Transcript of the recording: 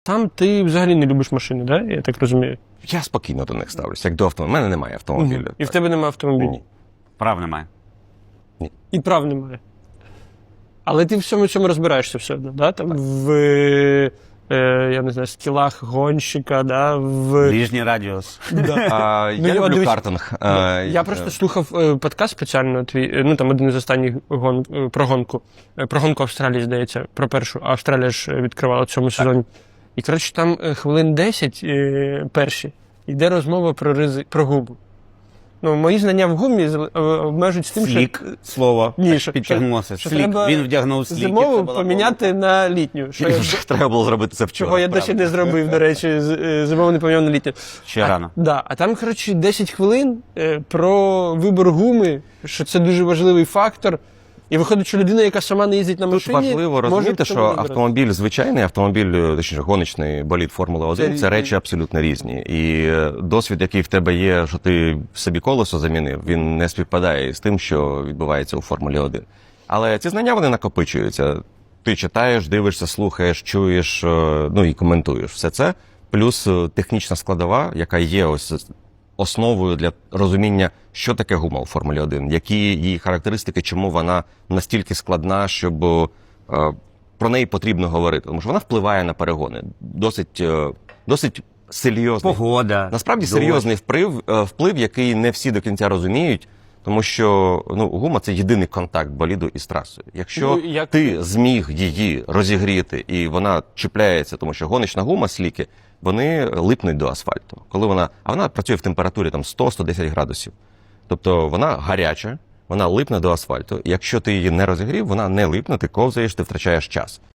Там ти взагалі не любиш машини, да? Я так розумію. Я спокійно до них ставлюся, як до автомобіля. У мене немає автомобіля. І в тебе немає автомобіля. Ні. Прав немає. І прав немає. Але ти в всьому цьому розбираєшся все одно, да? Там я не знаю, скілах гонщика, да? Ближній радіус. Да. Я люблю дивись, картинг. Я просто слухав подкаст спеціально твій, ну там один із останніх про гонку. Про гонку Австралії, здається, про першу. А Австралія ж відкривала в цьому сезоні. І, коротше, там хвилин 10 перші йде розмова про гуму. Ну, мої знання в гумі обмежують тим, Слік, слово, Ні, що підтягнулося. що Слік, треба він вдягнув слік. зимову поміняти на літню. Що Треба було зробити це вчора. чого я досі не зробив, до речі, зимову не поміняв на літню. Ще рано. Да, а там, коротше, 10 хвилин про вибор гуми, що це дуже важливий фактор. І виходить, що людина, яка сама не їздить на Тут машині, важливо може розуміти, в цьому що розбиратися. автомобіль звичайний, автомобіль, точніше, гоночний болід Формули-1 – це речі абсолютно різні. І досвід, який в тебе є, що ти собі колесо замінив, він не співпадає з тим, що відбувається у Формулі-1. Але ці знання, вони накопичуються. Ти читаєш, дивишся, слухаєш, чуєш, ну і коментуєш все це. Плюс технічна складова, яка є ось основою для розуміння, що таке гума у Формулі-1, які її характеристики, чому вона настільки складна, щоб про неї потрібно говорити. Тому що вона впливає на перегони. Досить серйозний. Погода. Насправді дощ. серйозний вплив, який не всі до кінця розуміють, тому що гума – це єдиний контакт боліду із трасою. Якщо ти зміг її розігріти і вона чіпляється, тому що гоночна гума, сліки, вони липнуть до асфальту. А вона працює в температурі там 100-110 градусів. Тобто вона гаряча, вона липне до асфальту. І якщо ти її не розігрів, вона не липне, ти ковзаєш, ти втрачаєш час.